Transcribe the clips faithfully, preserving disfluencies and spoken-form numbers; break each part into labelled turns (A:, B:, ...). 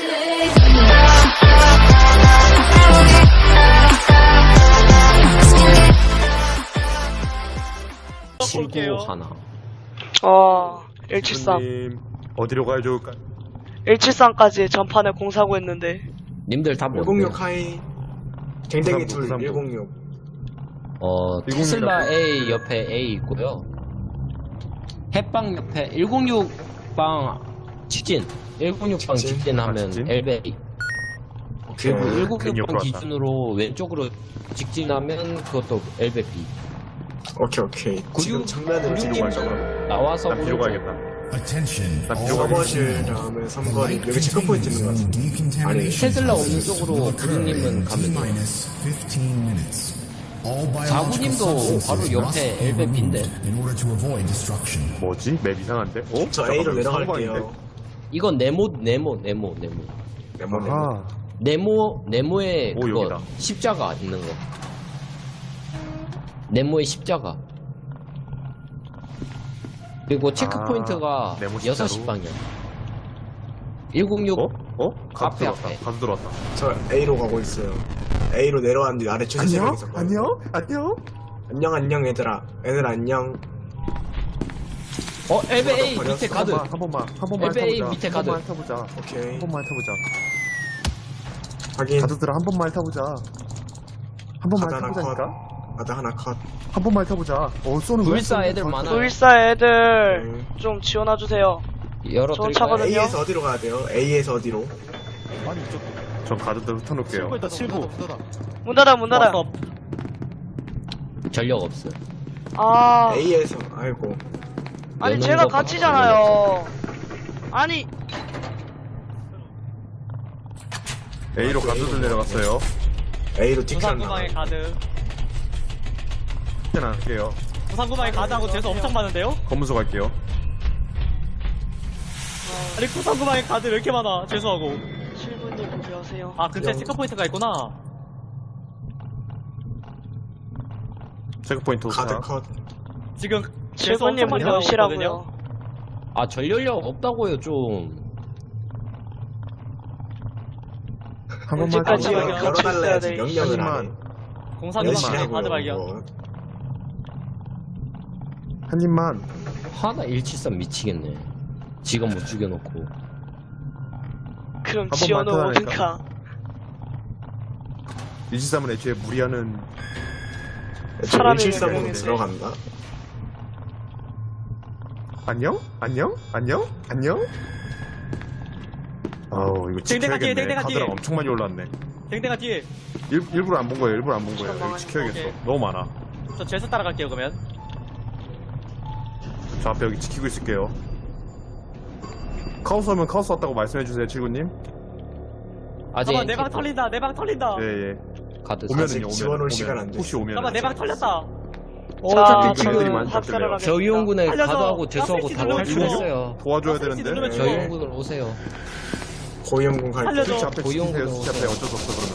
A: 친구 하나.
B: 어, 일칠삼.
C: 님 어디로 가야 좋을까?
B: 일칠삼까지 전판에 공사고 했는데.
A: 님들 다 뭔데?
D: 일공육 하이 댕댕이 둘
C: 구삼구.
D: 일공육.
A: 어, 테슬라 A 옆에 A 있고요. 햇빵 옆에 일공육 방 직진. 일공육 방
D: 직진?
A: 직진하면
C: 아, 직진?
A: 엘베이.
D: 오케이.
A: 그리고 일공육 방
C: 옆으로 왔다.
A: 기준으로 왼쪽으로 직진하면 그것도 엘베이.
D: 오케이 오케이. 지금
A: 구육-
D: 정면으로
A: 구육-
D: 뒤로 가죠.
A: 나와서
C: 난 뒤로
A: 오른쪽.
C: 가야겠다.
E: Attention.
C: 나
E: all
C: 뒤로 가야겠다.
D: 서버실 다음에 삼거리 여기 체크포인트 있는 것 같은데. 아니
A: 테슬라 없는 쪽으로 구름님은 가면 돼요.
E: minus fifteen minutes. All biological
A: 자구님도
E: substances
A: 바로
E: must
A: 옆에
E: be
A: 엘베인데.
E: removed in order to avoid destruction.
C: 뭐지? 맵 이상한데? 어?
D: 저 A로 내려갈게요.
A: 이건 네모 네모 네모 네모.
D: 네모 네모.
C: 아하.
A: 네모 네모에
C: 오,
A: 그거
C: 여기다.
A: 십자가 있는 거. 네모의 십자가. 그리고 체크
C: 아,
A: 포인트가
C: 네모
A: 여섯
C: 십자로?
A: 시 방향. 일공육
C: 어? 어? 가드
A: 앞에,
C: 들어왔다.
A: 앞에.
C: 가드 들어왔다.
D: 저 A로 가고 있어요. A로 내려왔는데 아래 주차장에 있었거든요.
C: 안녕? 안녕?
D: 안녕 안녕 얘들아. 애들 안녕.
A: 어 엘베이
D: 버렸어.
A: 밑에 가드.
C: 한 번만, 한 번만
A: 엘베이
C: 타보자.
A: 밑에
C: 한
A: 가드.
C: 번만 타보자.
D: 오케이.
C: 한 번만 타보자.
D: 확인.
C: 가드들아 한 번만 타보자. 한 번만
D: 가드 하나
C: 타보자니까?
D: 가드 하나 컷.
C: 한 번만 타보자. 어, 쏘는 거야?
A: 불사
C: 쏘는
A: 애들
C: 거야?
A: 많아.
B: 불사 애들
D: 음.
B: 좀 지원해주세요.
A: 열어
B: 저
A: 드릴까요?
B: 차거든요.
D: A에서 어디로 가야 돼요? A에서 어디로?
C: 아니, 이쪽. 전 가드들 흩어놓을게요.
B: 문 닫아, 문 닫아.
A: 전력 없어.
B: 아,
D: A에서 아이고.
B: 아니
A: 여는
B: 제가
A: 거
B: 갇히잖아요. 아니,
C: A로 가드들 내려갔어요.
D: A로 틱한
F: 부산구방에
D: 나.
F: 가드
C: 일단 할게요.
F: 부산구방에 가드하고 재수 엄청 많은데요?
C: 검문소 갈게요.
F: 아니 부산구방에 가드 왜 이렇게 많아 재수하고
B: 칠분님 안녕하세요.
F: 아 근처에 체크포인트가 있구나.
C: 체크포인트
D: 가드
C: 도착.
D: 컷.
F: 지금 재수 엄청
B: 칠분님
F: 많이 나오고 있거든요.
B: 몇이라고요?
A: 아 전력력 없다고요 좀.
C: 한 번만
B: 언제까지
C: 타보자.
B: 여기
D: 열-
B: 갇혀 있어야
D: 열어달라야지
B: 돼.
D: 명령을 안 해.
C: 하지만
F: 공사구방에
D: 열심히
F: 가드
D: 하고요.
F: 발견.
D: 뭐.
C: 한 입만.
A: 하나 일칠삼 미치겠네. 지금 못 죽여놓고.
B: 그럼
C: 번만
B: 지원은
C: 터다니까.
B: 오든가.
C: 일칠삼은 애초에 무리하는
B: 사람이
D: 일칠삼으로
B: 명령인데.
D: 들어간다.
C: 안녕? 안녕? 안녕? 안녕? 아우 이거
F: 댕댕아 뒤에,
C: 지켜야겠네.
F: 댕댕아 뒤에.
C: 카드랑 엄청 많이 올랐네.
F: 댕댕아 뒤에.
C: 일, 일부러 안 본 거예요. 일부러 안 본 거예요.
B: 잠깐만요.
C: 이거 지켜야겠어.
F: 오케이.
C: 너무 많아.
F: 저 재수 따라갈게요 그러면.
C: 저 앞에 여기 지키고 있을게요. 카오스 오면 카오스 왔다고 말씀해주세요, 칠구님.
A: 아직
F: 잠깐만 내 방 털린다 내 방 털린다.
C: 예, 예.
A: 가드.
C: 오면은요,
D: 아직
C: 오면.
D: 지원 올
C: 오면.
D: 시간 안 돼.
C: 혹시 오면.
F: 잠깐만 내 방 털렸다.
B: 자,
C: 어차피
B: 지금
C: 그들이 많이
B: 학살을
C: 잡힐래요.
B: 하겠습니다.
A: 저희용군에
F: 살려줘.
A: 가드하고 재수하고
F: 가스레인지
A: 다
F: 누르면
A: 탈출했어요.
C: 도와줘야
F: 아,
C: 되는데.
F: 누르면 죽어.
A: 저희용군을 오세요.
D: 고위험군 갈게.
F: 살려줘.
C: 스위치 앞에
A: 고용
C: 지키세요.
A: 구동
C: 스위치 앞에
A: 오세요.
C: 어쩔 수 없어, 그러면.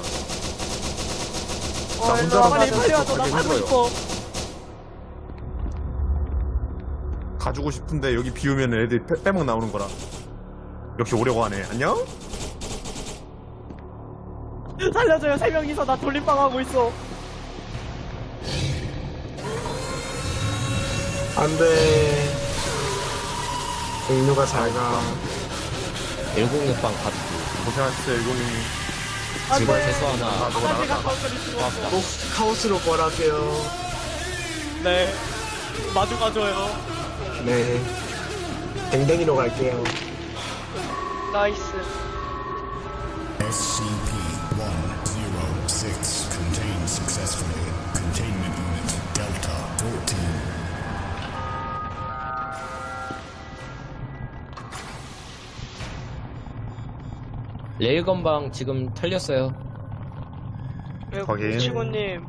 B: 어,
C: 나
B: 일로
C: 혼자
B: 와봐.
F: 빨리
C: 가서
F: 빨리 와줘 나
C: 가기
F: 살고
C: 힘들어요.
F: 싶어.
C: 가주고 싶은데 여기 비우면 애들이 빼, 빼먹 나오는 거라. 역시 오려고 하네. 안녕?
F: 살려줘요 세 명이서 나 돌림방 하고 있어.
D: 안 돼. 공유가 잘 가.
A: 일공육 방 가드.
C: 고생하셨어요, 일공이.
A: 지금 재수 하나.
C: 아, 너가
F: 하나제가
C: 나갔다.
F: 가운데를 죽었어.
D: 꼭 카오스로 벌하세요.
F: 네. 마주 가줘요.
D: 네. 댕댕이로 갈게요.
B: 나이스.
E: S C P one zero six contained successfully. Containment unit Delta fourteen.
A: 레일건방 지금 털렸어요.
C: 확인.
B: 치구님,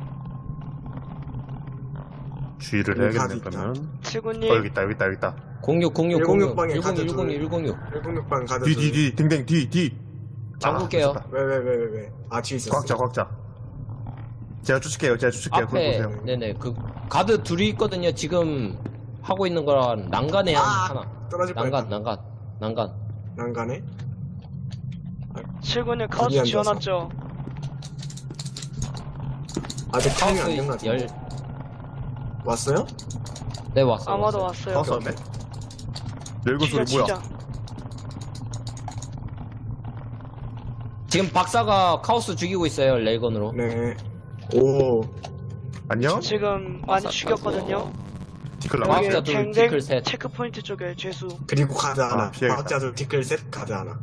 C: 주의를
D: 여기
C: 해야겠네,
D: 가드
C: 그러면.
B: 치구님.
C: 어, 여기 있다, 여기 있다, 여기 있다.
A: 공육 공육
D: 일공육
A: 공육
D: 방에 가드
A: 일공육
D: 둘.
A: 일공육
D: 일공육 방 가드.
C: 뒤, 뒤, 뒤, 댕댕, 뒤, 뒤.
A: 잡을게요.
D: 왜왜 왜 왜 왜? 아 뒤에 있었어.
C: 꽉자, 꽉자. 제가 쫓을게요, 제가 쫓을게요. 그거
A: 앞에
C: 보세요.
A: 네네 그 가드 둘이 있거든요. 지금 하고 있는 거랑 난간에 한
D: 아,
A: 하나.
D: 떨어질
A: 난간
D: 뻔했다.
A: 난간 난간.
D: 난간에?
B: 칠군님 카우스
D: 아니,
B: 지원왔죠?
D: 아직 타이밍
A: 카우스
D: 안된 것 같아.
A: 열,
D: 왔어요?
A: 네, 왔어.
B: 아마도
A: 왔어요.
B: 왔어요.
C: 카우스 왔네. 열고 소리
B: 진짜
C: 뭐야?
B: 진짜.
A: 지금 박사가 카오스 죽이고 있어요, 레이건으로.
D: 네. 오.
C: 안녕?
B: 지금 많이 죽였거든요.
C: 디클
A: 아,
C: 나가.
A: 진짜
B: 여기
A: 둘,
B: 쟁쟁
A: 디클 셋.
B: 체크포인트 쪽에 죄수.
D: 그리고 가드 하나.
C: 아, 피해야겠다.
D: 과학자들 티클 셋 가드 하나.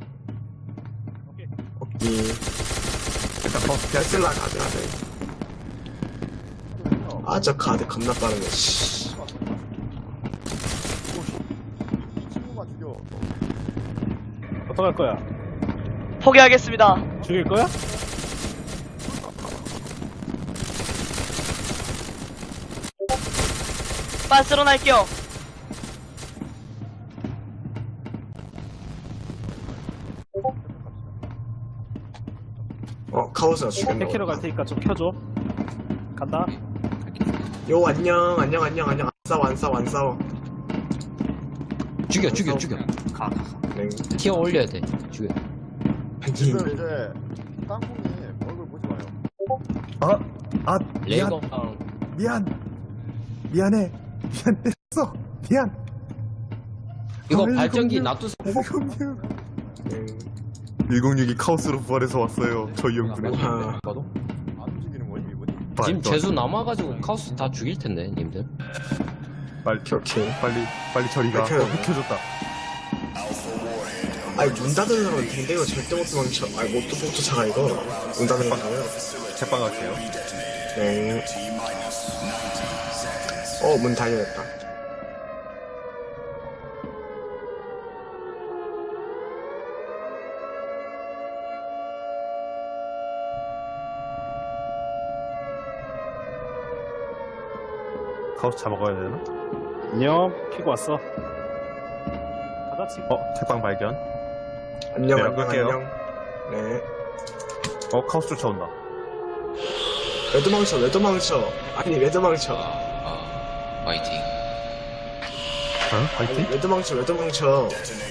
D: 오케이.
C: 일단 카우스 피하시.
D: 테슬라 가드 하나. 아, 저 가드 겁나 빠르네. 씨.
F: 어떡할 거야?
B: 포기하겠습니다.
F: 죽일 거야?
B: 빤스런 할게요.
D: 어, 카오스가 죽였네.
F: 백 킬로 갈 테니까 좀 켜줘. 간다.
D: 요, 안녕, 안녕, 안녕, 안녕. 안 싸워, 안 싸워, 안 싸워.
A: 죽여, 죽여, 죽여.
D: 네.
A: 티어 올려야 돼. 죽여.
G: 지금 이제 땅콩이 얼굴 보지 마요.
C: 아, 아, 미안,
A: 레이건랑
C: 미안, 미안해, 미안 때렸어, 미안.
A: 이거
C: 아이고,
A: 발전기
C: 그냥-
A: 놔두세요.
C: 일공육.
D: 네.
C: 일공육이 카오스로 부활해서 왔어요. 저희 형들은.
D: 아,
A: 봐도.
G: 안 움직이는 거임 이분이?
A: 지금 재수 남아가지고 카오스 다 죽일 텐데, 님들.
C: 빨리,
D: 오케이.
C: 빨리, 빨리 저리가.
D: 켜요.
C: 어, 켜줬다.
D: 아니, 문 닫은 사람은 댕댕이로 절대 못 도망쳐. 아니, 못, 못 쫓아가, 이거. 문 닫은 거잖아요.
C: 제빵 갈게요.
D: 네. 어, 문 다 열렸다.
C: 카오스 잡아가야 되나?
F: 안녕. 키고 왔어. 가자 지금.
C: 어, 제빵 발견.
D: 안녕,
C: 네,
D: 안녕,
C: 끌게요.
D: 안녕. 네.
C: 어, 카오스 쫓아온다.
D: 왜 도망쳐, 왜 도망쳐. 아니, 왜 도망쳐.
A: 화이팅.
C: 어?
D: 아니,
C: 파이팅?
D: 왜 도망쳐, 왜 도망쳐.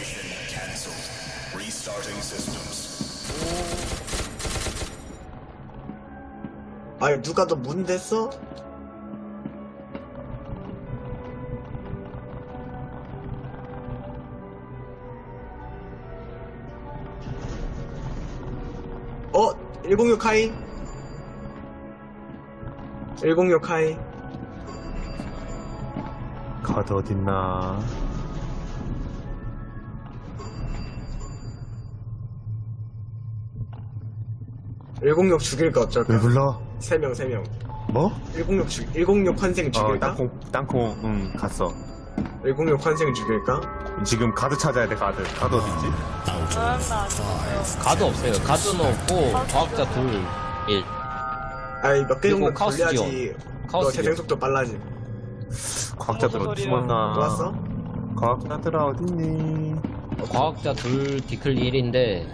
D: 아니, 누가 너 문 댔어? 어? 일공육 하이? 일공육 하이?
C: 카드 어딨나?
D: 일공육 죽일까
C: 왜
D: 어쩔까?
C: 불러?
D: 세 명, 세 명.
C: 뭐?
D: 일공육 죽, 일공육 환생
C: 어,
D: 죽일까?
C: 땅콩, 땅콩, 응, 갔어.
D: 일공육 환생 죽일까?
C: 지금 가드 찾아야 돼, 가드. 가드 어딨지?
B: 아, 나안 죽었어요.
A: 가드 없어요. 가드는 없고, 과학자 둘, 일.
D: 아니, 몇 개
A: 그리고
D: 정도
A: 카오스
D: 돌려야지.
A: 지원.
D: 너
A: 카오스
D: 재생 속도 빨라지.
C: 과학자들
B: 무슨
C: 어디
B: 소리야.
C: 숨었나?
D: 또 왔어?
C: 과학자들아, 어딨니?
A: 과학자 둘, 디클 일인데,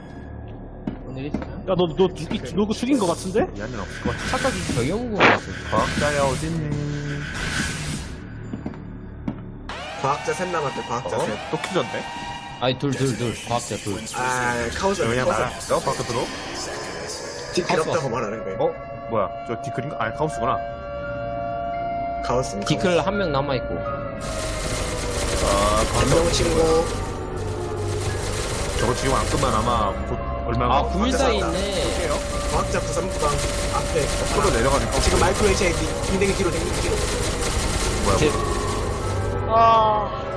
F: 야, 너, 너 죽이, 너 죽인 거 같은데?
C: 미안은 없을 것 같아.
A: 착각이 정영구 같은.
C: 과학자야, 어딨니?
D: 과학자 셋 남았대, 과학자
C: 어?
D: 셋.
C: 또 퀴즈인데?
A: 아니, 둘, 둘, 둘. 과학자 둘.
D: 아, 카오스
C: 그냥
D: 카오스
C: 나가. 어, 바깥으로?
D: 디클
A: 카오스
D: 없다고
A: 왔어.
D: 말하는 거야.
C: 어? 뭐야? 저 디클인가? 아니, 카오스구나.
D: 카오스.
A: 디클 한 명 남아있고.
C: 아,
D: 안녕 친구.
C: 저거 지금 안 끝나면 아마 곧 얼마
A: 아, 구일사
D: 왔다.
A: 있네.
D: 과학자 구삼구방 앞에.
C: 앞으로 내려가는 카오스.
D: 지금 마이크로 에이치 댕댕이 뒤로 댕댕이 뒤로.
C: 뭐야?
A: 제-
C: 뭐야.
B: 아,